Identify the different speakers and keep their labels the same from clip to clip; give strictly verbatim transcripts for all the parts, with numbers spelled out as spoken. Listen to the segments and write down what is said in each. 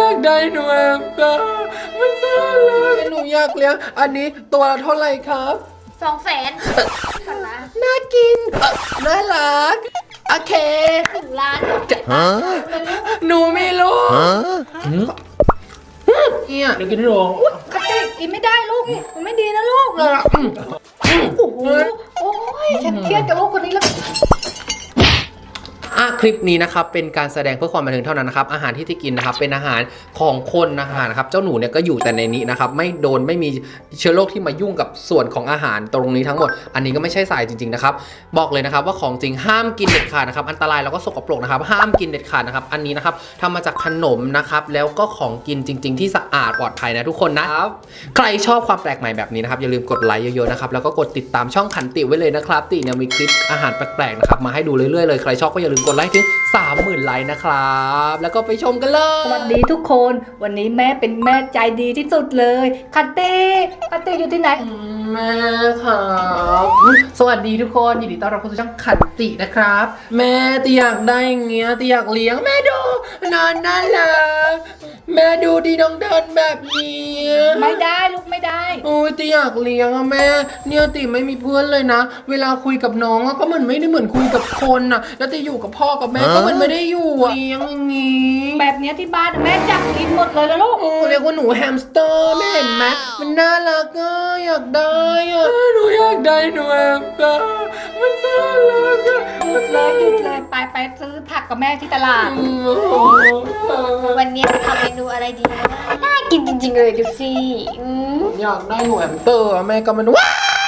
Speaker 1: ากได้หนูแอมตามันน่ารักหนูอยากเลี้ยงอันนี้ตัวละเท่าไหร่ครับ
Speaker 2: สองแสน
Speaker 1: น่ากินน่ารักโอเค
Speaker 2: หนึ่งล้าน
Speaker 1: หนูไม่รู้เนี่ยเดี๋ยวกินให้ดู
Speaker 2: คติกินไม่ได้ลูกมันไม่ดีนะลูกโอ้โหโอ้ยฉันเครียดกับลูกคนนี้แล้ว
Speaker 1: อ่ะคลิปนี้นะครับเป็นการแสดงเพื่อความบันเทิงเท่านั้นนะครับอาหารที่ที่กินนะครับเป็นอาหารของคนอาหารนะครับเจ้าหนูเนี่ยก็อยู่แต่ในนี้นะครับไม่โดนไม่มีเชื้อโรคที่มายุ่งกับส่วนของอาหารตรงนี้ทั้งหมดอันนี้ก็ไม่ใช่สายจริงๆนะครับบอกเลยนะครับว่าของจริงห้ามกินเด็ดขาดนะครับอันตรายแล้วก็สกปรกนะครับห้ามกินเด็ดขาดนะครับอันนี้นะครับทำมาจากขนมนะครับแล้วก็ของกินจริงๆที่สะอาดปลอดภัยนะทุกคนนะครับใครชอบความแปลกใหม่แบบนี้นะครับอย่าลืมกดไลค์เยอะๆนะครับแล้วก็กดติดตามช่องขันติไว้เลยนะครับติเนี่ยมีคลิปอาหารแปลกๆนะครับมาให้ดูเรื่อยๆเลยใครชอบก็อย่าลืมกดไลค์ถึงสามหมื่นไลค์นะครับแล้วก็ไปชมกันเลย
Speaker 2: สวัสดีทุกคนวันนี้แม่เป็นแม่ใจดีที่สุดเลยคัตตี้คัตตี้อยู่ที่ไหน
Speaker 1: แม่ครับสวัสดีทุกคนยินดีต้อนรับเข้าสู่ช่องขันตินะครับแม่ตีอยากได้อย่างเงี้ยตีอยากเลี้ยงแม่ดูนอนน่ารักแม่ดูดีน้องเดินแบบนี้
Speaker 2: ไม่ได้ลูกไม่ได้
Speaker 1: โอ้ยตีอยากเลี้ยงอะแม่เนี่ยตีไม่มีเพื่อนเลยนะเวลาคุยกับน้องก็เหมือนไม่ได้เหมือนคุยกับคนอะแล้วตีอยู่กับพ่อกับแม่ก็มันไม่ได้อยู่เลี้ยงอย่างงี้
Speaker 2: แบบนี้ที่บ้านแม่จับกินหมดเลยแล้วลูก
Speaker 1: โอ้เรียกว่าหนูแฮมสเตอร์แม่เห็นไหมมันน่ารักอะอยากได้อะหนูอยากได้หนูแฮมสเตอร์มันน่ารักอะ
Speaker 2: หยุดเลยหยุดเลยไปไปซื้อผักกับแม่ที่ตลาดวันนี้ทำเมนูอะไรดีนะน่ากินจริงๆเลยดูสิ
Speaker 1: อยากได้หนูแฮมสเตอร์แม่ก็มันว้า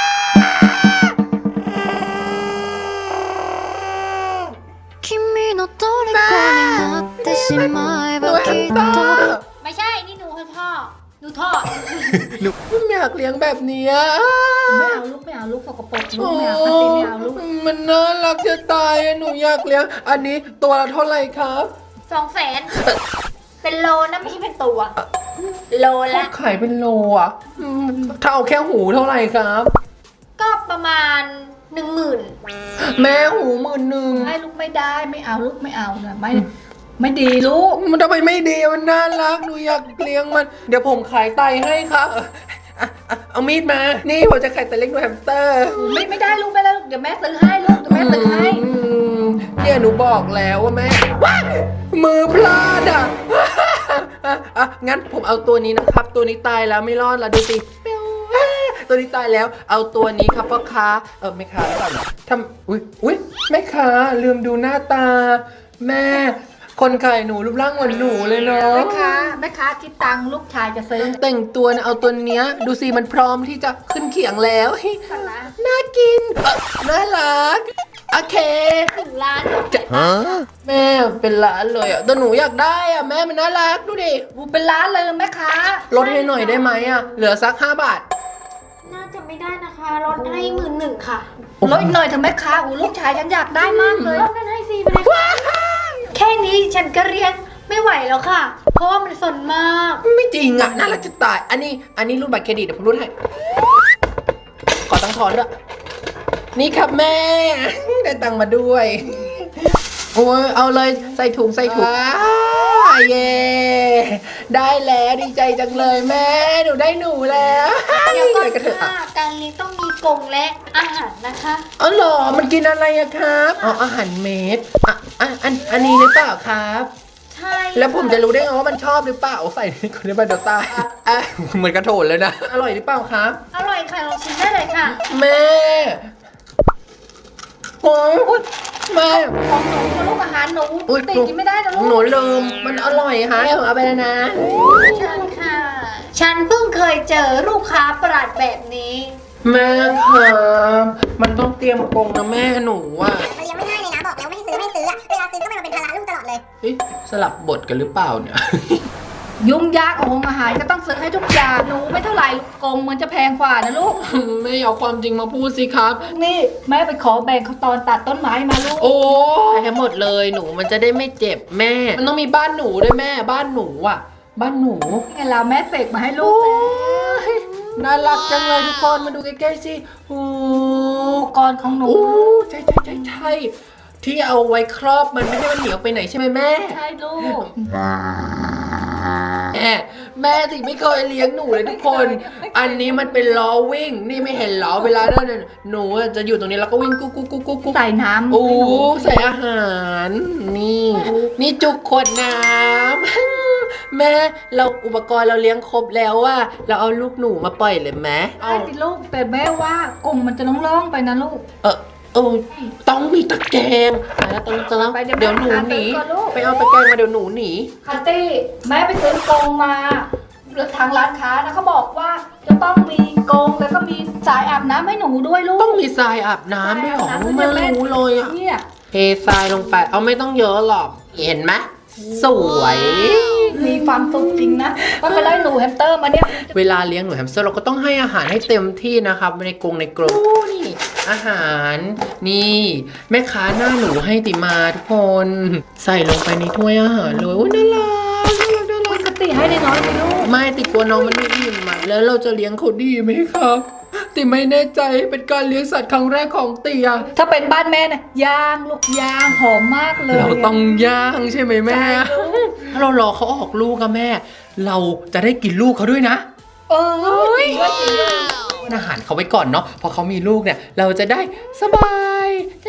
Speaker 2: ไม่ใช่นี่หนูท่อหนูท่อ
Speaker 1: หนูไม่อยากเลี้ยงแบบนี้
Speaker 2: ไม่เอาลูกไม่เอาลูกสกปรกลูกไม่เอาคัตตี้ไม่เอาลูก
Speaker 1: มันน่ารักจะตายหนูอยากเลี้ยงอันนี้ตัวละเท่าไหร่ครับ
Speaker 2: สองแสนเป็นโลนะไม่ใช่เป็นตัวโลละ
Speaker 1: ขายเป็นโลอ่ะถ้าเอาแค่หูเท่าไหร่ครับ
Speaker 2: ก็ประมาณหนึ่งหมื่น
Speaker 1: แม่หูหมื่นหนึ่ง
Speaker 2: ให้ลูกไม่ได้ไม่เอาลูกไม่เอานะไม่ไม่ดีลูก
Speaker 1: มันทำไมไม่ดีมันน่ารักหนูอยากเลี้ยงมันเดี๋ยวผมขายไตให้ครับเอามีดมานี่ผมจะขายไตเล็กหนูแฮมสเตอร์
Speaker 2: ไม่ไม่ได้ลูกไม่ได้ลูกเดี๋ยวแม่ซื้อให้ลูกเดี๋ยวแม่ซื้อให้
Speaker 1: เนี่ยหนูบอกแล้วว่าแม่ว้ามือพลาดอ่ะอ่ะงั้นผมเอาตัวนี้นะครับตัวนี้ตายแล้วไม่รอดละดูสิตัวนี้ตายแล้วเอาตัวนี้ครับพ่อค้าเออไม่ค้าหรือเปล่าทำอุ้ยอุ้ยแม่ค้าลืมดูหน้าตาแม่คนขายหนูรูปร่างเหมือนหนูเลยเนาะ
Speaker 2: แม่ค้าแม่ค้าคิดตังค์ลูกชายจะซื้อ
Speaker 1: แต่งตัวนะเอาตัวเนี้ยดูสิมันพร้อมที่จะขึ้นเขียงแล้วน่ากินน่ารักโอเค
Speaker 2: หนึ่งล้าน
Speaker 1: แม่เป็นล้านเลยอ่ะแต่หนูอยากได้อ่ะแม่มันน่ารักดูดิ
Speaker 2: บูเป็นล้านเลยแม่ค้า
Speaker 1: ลดให้หน่อยได้ไหมอ่ะเหลือสักห้าบาท
Speaker 2: น่าจะไม่ได้นะคะลดให้หมื่นหนึ่งค่ะลดหน่อยเถอะแม่ค้าอูลูกชายฉันอยากได้มากเลยลดให้สี่ไปเลยแค่นี้ฉันก็เรียนไม่ไหวแล้วค่ะเพราะว่ามันสนมาก
Speaker 1: ไม่จริงอ่ะน่ารักจะตายอันนี้อันนี้รูดบัตรเครดิตเดี๋ยวผมรูดให้ขอตังค์ทอนด้วยนี่ครับแม่ได้ตังค์มาด้วยโอ้ยเอาเลยใส่ถุงใส่ถุงเย่ได้แล้วดีใจจังเลยแม่หนูได้หนูแล้ว
Speaker 2: เดี๋ยวก่อนค่ะการเลี้ยงต้องมีกรงและอาหารนะคะ
Speaker 1: อ๋อเหรอมันกินอะไรอะครับอ๋ออาหารเม็ดอ่ะอันอันอันนี้หรือเปล่าครับ
Speaker 2: ใช่
Speaker 1: แล้วผมจะรู้ได้ไงว่ามันชอบหรือเปล่าใส่ในคนในบันเดลต้าอ่ะเหมือนกระโถนเลยนะอร่อยหรือเปล่าครับ
Speaker 2: อร่อยค่ะลองชิมได้เลยค่ะ
Speaker 1: แม่โอ้ยแม่
Speaker 2: ของหนูลูกอาหารหนูติดกินไม่ได้นะลูก
Speaker 1: หนูลืมมันอร่อยค่ะเอาไปแล้วนะ
Speaker 2: ใช่ค่ะฉันเพิ่งเคยเจอลูกค้าประหลาดแบบนี้
Speaker 1: แม่ครับมันต้องเตรียมกรงนะแม่หนูอ่ะ
Speaker 3: มันยังไม่ง่ายเลยนะบอกแล้วไม่ให้ซื้อไม่ซื้ออะเวลาซื้อก็มันเป็นภาระลูกตลอดเลย
Speaker 1: เฮ้ยสลับบทกันหรือเปล่าเนี่ย
Speaker 2: ยุ่งยากของอาหารก็ต้องซื้อให้ทุกอย่างหนูไม่เท่าไหร่กรงมันจะแพงกว่านะลูก
Speaker 1: ไม่เอาความจริงมาพูดสิครับ
Speaker 2: นี่แม่ไปขอแบ่งเขาตอนตัดต้นไม้มาลูก
Speaker 1: โอ้ให้หมดเลยหนูมันจะได้ไม่เจ็บแม่มันต้องมีบ้านหนูด้วยแม่บ้านหนูอ่ะบ้านหนู
Speaker 2: ไงเราแม่เสกมาให้ลูก
Speaker 1: น่ารักจังเลยทุกคนมาดูใกล้ๆสิโอ้
Speaker 2: กรของหนู
Speaker 1: ใช่ใช่ใช่ใช่ที่เอาไว้ครอบมันไม่ให้มันเหนียวไปไหนใช่ไหมแม่
Speaker 2: ใช่ลูก
Speaker 1: แม่สิไม่เคยเลี้ยงหนูเลยทุกคน อันนี้มันเป็นล้อวิ่งนี่ไม่เห็นล้อเวลาเดินหนูจะอยู่ตรงนี้แล้วก็วิ่งกุ๊กกุ๊กกุ๊กกุ๊กกุ๊ก
Speaker 2: ใส่น้ำ
Speaker 1: โอ้ใส่อาหารนี่นี่จุกขวดน้ำ แม่เราอุปกรณ์เราเลี้ยงครบแล้วว่าเราเอาลูกหนูมาปล่อยเลยไหม
Speaker 2: ได้สิลูกแต่แม่ว่ากรงมันจะล่องๆไปนะลูก
Speaker 1: เออเออต้องมีตะแกรงนะต้องจะแล้ว
Speaker 2: ไปเดี๋ยว
Speaker 1: เดี๋ยวหนูหนี
Speaker 2: หาตะกร้อลูก
Speaker 1: ไปเอาตะแกรงมาเดี๋ยวหนูหนี
Speaker 2: คัตตี้แม่ไปซื้อกรงมาทางร้านค้านะเขาบอกว่าจะต้องมีกรงแล้วก็มีสายอาบน้ำให้หนูด้วยลูก
Speaker 1: ต้องมีทรายอาบน้ำด้วยเหรอ
Speaker 2: ทรายอาบน้ำ
Speaker 1: ไม่รู้เลยอ่ะ
Speaker 2: เนี่ย
Speaker 1: เททรายลงไปเอาไม่ต้องเยอะหรอกเห็นไหมสวย
Speaker 2: มีความสุขจริงนะว่าไปได้หนูแฮมสเตอร์มาเนี่ย
Speaker 1: เวลาเลี้ยงหนูแฮมสเตอร์เราก็ต้องให้อาหารให้เต็มที่นะครับในกรงในกรงนี่อาหารนี่แม่ค้าหน้าหนูให้ติมาทุกคน ใส่ลงไปในถ้วยอาหารเลยโอ้ยน่ารักน่ารักน่ารัก
Speaker 2: ปกติให้ได้น้อยไหมลูก
Speaker 1: ไม่ติดกลัวน้องมันไม่อิ่มอ่ะแล้วเราจะเลี้ยงเขาดีไหมครับติไม่แน่ใจเป็นการเลี้ยงสัตว์ครั้งแรกของเตีย
Speaker 2: ถ้าเป็นบ้านแม่นะย่างลูกย่างหอมมากเลย
Speaker 1: เราต้องย่างใช่ไหมแม่ ถ้าเรารอเขาออกลูกอะแม่ เราจะได้กินลูกเขาด้วยนะ
Speaker 2: เออจริงด้วยจริงด้วย
Speaker 1: อาหารเขาไว้ก่อนเนาะพอเขามีลูกเนี่ย เราจะได้สบาย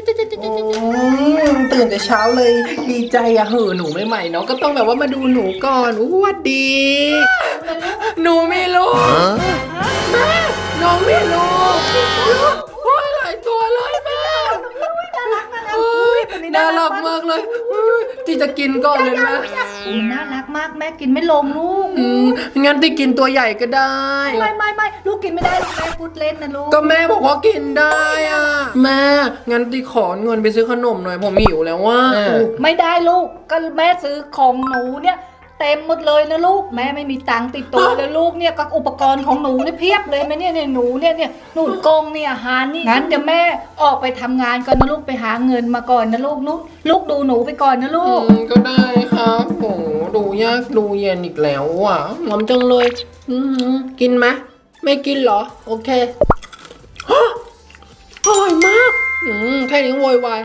Speaker 1: ตื่นแต่เช้าเลยดีใจอะเหอะหนูใหม่ๆเนาะก็ต้องแบบว่ามาดูหนูก่อนอู้วัดดี หนูมีลูกแม่น้องมีลูกโอ้ยหลายตัวเลยแม่โอ้ยน่ารักมากเลยที่จะกินก่อนเลยนะ
Speaker 2: มันน่ารักมากแม่กินไม่ลงลูก
Speaker 1: อืมงั้นที่กินตัวใหญ่ก็ได้
Speaker 2: ไม่ไม่ไม่ลูกกินไม่ได้ลูกแม่พูดเล่นนะลูก
Speaker 1: ก็แม่บอกว่ากินได้อ่ะแม่งั้นที่ขอเงินไปซื้อขนมหน่อยผมหิวแล้วว่า
Speaker 2: ไม่ได้ลูกก็แม่ซื้อของหนูเนี่ยเต็มหมดเลยนะลูกแม่ไม่มีตังค์ติดตัวเลยลูกเนี่ยก็อุปกรณ์ของหนูเนี่ยเพียบเลยไหมเนี่ยเนี่ยหนูเนี่ยเนี่ยหนูกงเนี่ยอาหารนี่งั้นเดี๋ยวแม่ออกไปทำงานก่อนนะลูกไปหาเงินมาก่อนนะลูกนุลูกดูหนูไปก่อนนะลู
Speaker 1: อื
Speaker 2: ก
Speaker 1: มก็ได้ครับโหดูยากดูเย็นอีกแล้วอ่ะงอมจังเลยอืมกินไหมไม่กินเหรอโอเคฮะอร่อยมากอืมแค่นี้โวยวาย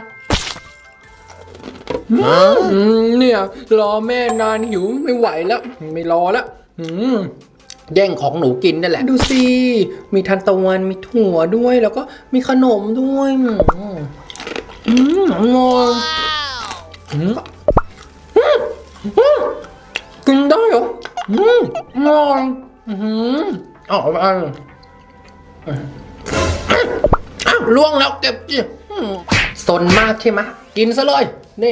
Speaker 1: อืมเนี่ยรอแม่นานหิวไม่ไหวแล้วไม่รอแล้วอืมแย่งของหนูกินนั่นแหละดูสิมีทันตะวันมีถั่วด้วยแล้วก็มีขนมด้วยอืมอืมอร่อยอืมอืมกินได้เหรออืมอร่อยอืมอ๋อไปอ้าวล่วงแล้วเก็บจิอืมสนมากใช่ไหมกินซะเลยนี่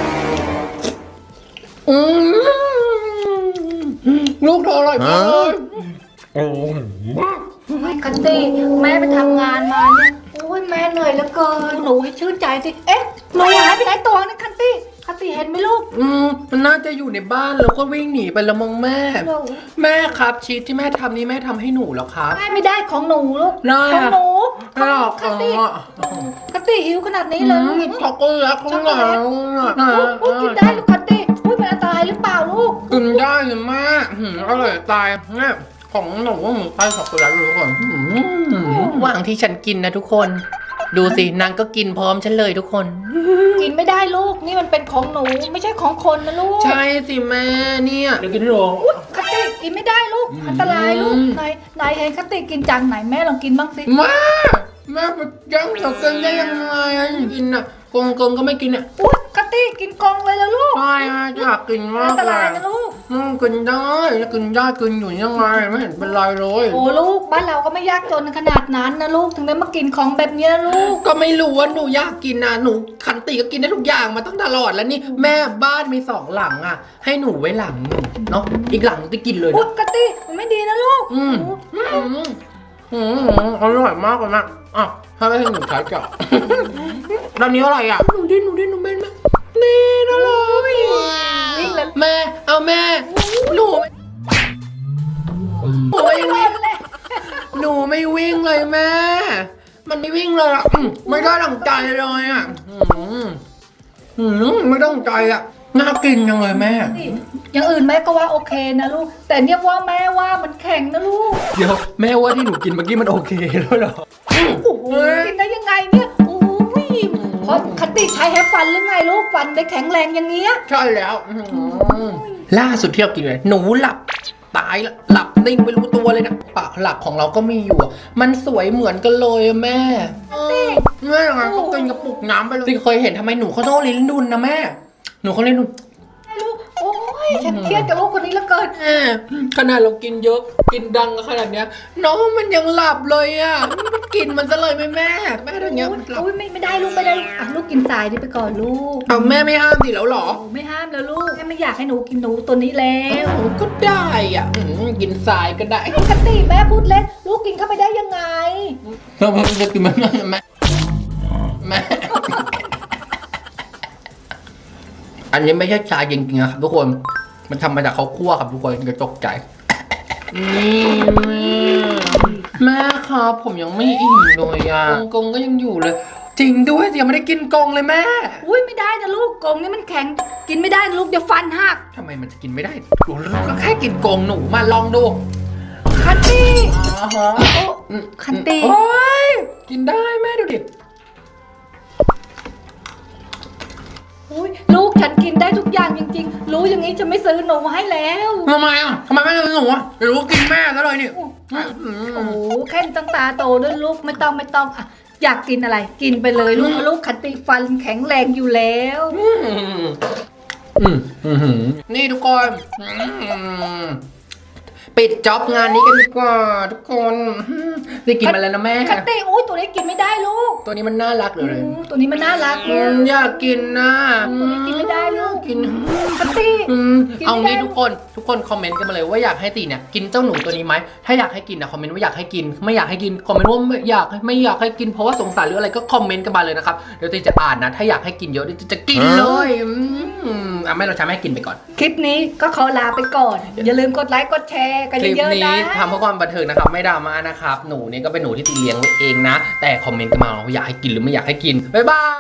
Speaker 1: อืมลูกเธออร่อยมากเลยโอ้มาก
Speaker 2: ไม่คัตตี้แม่ไปทำงานมาเนี่ยโอ้ยแม่เหนื่อยเหลือเกินหนูให้ชื่นใจสิเอ๊ะหนูหายไปไหนตัวนึงคัตตี้คัตตี้เห็นไหมลูก
Speaker 1: อืมมันน่าจะอยู่ในบ้านแล้วก็วิ่งหนีไปละมองแม่
Speaker 2: หนู
Speaker 1: แม่ครับชีสที่แม่ทำนี่แม่ทำให้หนูเหรอครับ
Speaker 2: ได้ไม่ได้ของหนูลูก
Speaker 1: ได้
Speaker 2: ของหนู
Speaker 1: ไม่หรอก
Speaker 2: คัตตี้
Speaker 1: อ๋อ
Speaker 2: คัตตี้หิวขนาดนี้เลยลูก
Speaker 1: ช็อกโกแลตข้างหลัง
Speaker 2: ลูกกินได้ลูกคัตตี้อุ้ยมันอันตรายหรือเปล่าลูก
Speaker 1: กินได้เลยแม่หืมอร่อยตายแม่ของหนูว่าหมูไส้ช็อกโกแลตเลยทุกคนวางที่ฉันกินนะทุกคน ดูสินางก็กินพร้อมฉันเลยทุกคน
Speaker 2: กินไม่ได้ลูกนี่มันเป็นของหนูไม่ใช่ของคนนะลูก
Speaker 1: ใช่สิแม่เนี่ยเดี๋ยวกินให้ดู
Speaker 2: อุ๊ยคัตตี้กินไม่ได้ลูกอันตรายลูก
Speaker 1: อืม
Speaker 2: ไหนไหนเห็นคัตตี้กินจังไหนแม่ลองกินบ้างสิ
Speaker 1: แม่แม่ไปยังเดี๋ยวกินได้ยังไงอ่ะกินอ่ะกงกงก็ไม่กินอ่ะ
Speaker 2: อุ๊ยคัตตี้กินกองเลยแล้วลูก
Speaker 1: ใช่อ่ะอยากกินมา
Speaker 2: อั
Speaker 1: ก
Speaker 2: นต
Speaker 1: เล
Speaker 2: ราย
Speaker 1: ย
Speaker 2: นะลูก
Speaker 1: อืมกินได้กินได้กินอยู่ยังไงไม่เห็นเป็นไรเลย
Speaker 2: โอ้ลูกบ้านเราก็ไม่ยากจนขนาดนั้นนะลูกถึงได้มากินของแบบเนี้ยลูก
Speaker 1: ก็ไม่รู้ว่าหนูอยากกินนะหนูขันติก็กินได้ทุกอย่างมาตั้งตลอดแล้วนี่แม่บ้านมีสองหลังอ่ะ ให้หนูไว้หลังหนึ่งเนาะอีกหลังจะกินเลย
Speaker 2: อุ๊ย
Speaker 1: นะ
Speaker 2: คัตตี้มันไม่ดีนะลูก
Speaker 1: อืมอืมอืมอร่อยมากเลยนะอ่ะถ้าไม่ให้หนูใช้เจาะ ตอนนี้อะไรอ่ะหนูดิ้นหนูดิ้นหนูเป็นไหมนี่น่ารัก
Speaker 2: วิ่งเลย
Speaker 1: แม่เอาแม่หนูหนูไม่วิ่งหนูไม่วิ่งเลยแม่ มันไม่วิ่งเลยอ่ะอืมไม่ได้ดังใจเลยอ่ะอืมอืมไม่ได้ดังใจอ่ะน่ากินจังเลยแม่
Speaker 2: นี่อย่างอื่นแม่ก็ว่าโอเคนะลูก แต่เนี่ยว่าแม่ว่ามันแข็งนะลูก
Speaker 1: เดี๋ยวแม่ว่าที่หนูกินเมื่อกี้มันโอเคแล้วเหรอ
Speaker 2: โอ้โหกินได้ยังไงเนี่ยโอ้ยเพราะคัตตี้ใช้แฮปฟันหรือไงลูกฟันได้แข็งแรงอย่างเงี้ย
Speaker 1: ใช่แล้วอื้อหือล่าสุดที่เรากินเลยหนูหลับตายละหลับนิ่งไม่รู้ตัวเลยนะปากหลักของเราก็มีอยู่อะมันสวยเหมือนกันเลยอะแม่แม่ไงก็กินกระปุกน้ำไปเลยที่เคยเห็นทำไมหนูเขาต้องลิ้นดุนนะแม่หนูเขาลิ้นดุน
Speaker 2: ลูกโอ้ยฉันเครียดกับลูกคนนี้เหลือเกิน
Speaker 1: แม่ขนาดเรากินเยอะกินดังขนาดเนี้ยน้องมันยังหลับเลยอ่ะมันกินมันซะเลยไหมแม่แม่ทำเงี้ยมันหลับ
Speaker 2: อุ้ยไม่ไม่ได้ลูกไม่ได้อ่ะลูกกินทรายนี่ไปก่อนลูก
Speaker 1: เอาแม่ไม่ห้ามดิแล้วหรอ
Speaker 2: โอ้ไม่ห้ามแล้วลูกแม่ไม่อยากให้หนูกินหนูตัวนี้แล้ว
Speaker 1: โอ้ก็ได้อ่ะอืมกินทรายก็ได้
Speaker 2: ปกติแม่พูดเล่นลูกกินเข้าไปได้ยังไง
Speaker 1: เราจะกินมันได้ไหมแม่อันนี้ไม่ใช่ชาจริงๆนะครับทุกคนมันทำมาจากข้าวคั่วครับทุกคนจะตกใจนี่แม่แม่ครับผมยังไม่อิ่มเลยอ่ะกงก็ยังอยู่เลย จริงด้วยยังไม่ได้กินกงเลยแม่
Speaker 2: อุ้ยไม่ได้นะลูกกรงนี่มันแข็งกินไม่ได้นะลูกเดี๋ยวฟันหัก
Speaker 1: ทำไมมันจะกินไม่ได้ก็แค่กินกงหนูมาลองดู
Speaker 2: คัตตี้
Speaker 1: อ่าฮะ
Speaker 2: โอ้คัตตี้
Speaker 1: โอ้ยกินได้แม่ดูดิ
Speaker 2: อุ้ยลูกฉันกินได้ทุกอย่างจริงๆ รู้อย่างนี้จะไม่ซื้อหนูมาให้แล้ว
Speaker 1: ทำไมอ่ะทำไมไม่ซื้อหนูอ่ะเดี๋ยวรู้กินแม่ซะเลยนี่
Speaker 2: โอ้โหแค่ตั้งตาโตด้วยลูกไม่ต้องไม่ต้องอ่ะอยากกินอะไร กินไปเลยลูกลูกคัตตี้ฟันแข็งแรงอยู่แล้ว
Speaker 1: อืมอืมอืมนี่ทุกคนอืมปิดจ็อบงานนี้กันดีกว่าทุกคนอืมได้กินมาแล้วนะแม่
Speaker 2: คัตตี้อุ้ยตัวนี้กินไม่ได้ลูก
Speaker 1: ตัวนี้มันน่ารักเลย
Speaker 2: อืมตัวนี้มันน่ารัก
Speaker 1: อื
Speaker 2: ลูก
Speaker 1: มอยากกินนะ
Speaker 2: ตัวนี้กินไม่ได้ลูก
Speaker 1: กิน
Speaker 2: คัตตี้
Speaker 1: อืม
Speaker 2: กินไม่
Speaker 1: เอา
Speaker 2: ได้
Speaker 1: งี้ทุกคนทุกคนคอมเมนต์กันมาเลยว่าอยากให้ตีเนี่ยกินเจ้าหนูตัวนี้ไหมถ้าอยากให้กินนะคอมเมนต์ว่าอยากให้กินไม่อยากให้กินคอมเมนต์ว่าไม่อยากไม่อยากให้กินเพราะว่าสงสารหรืออะไรก็คอมเมนต์กันมาเลยนะครับเดี๋ยวตีจะอ่านนะถ้าอยากให้กินเยอะตีจะกินเลยอืมอ่ะไม่เราใช้แม่กินไปก่อน
Speaker 2: คลิปนี้ก็ขอลาไปก่อน อย่าลืมกดไลค์กดแชร์กัน
Speaker 1: คลิป
Speaker 2: เยอะๆ
Speaker 1: นี้
Speaker 2: นะ
Speaker 1: ทำเพื่อความบันเทิงนะครับไม่ดราม่านะครับหนูนี่ก็เป็นหนูที่ตีเลี้ยงไว้เองนะแต่คอมเมนต์กันมาว่าอยากให้กินหรือไม่อยากให้กินบ๊ายบาย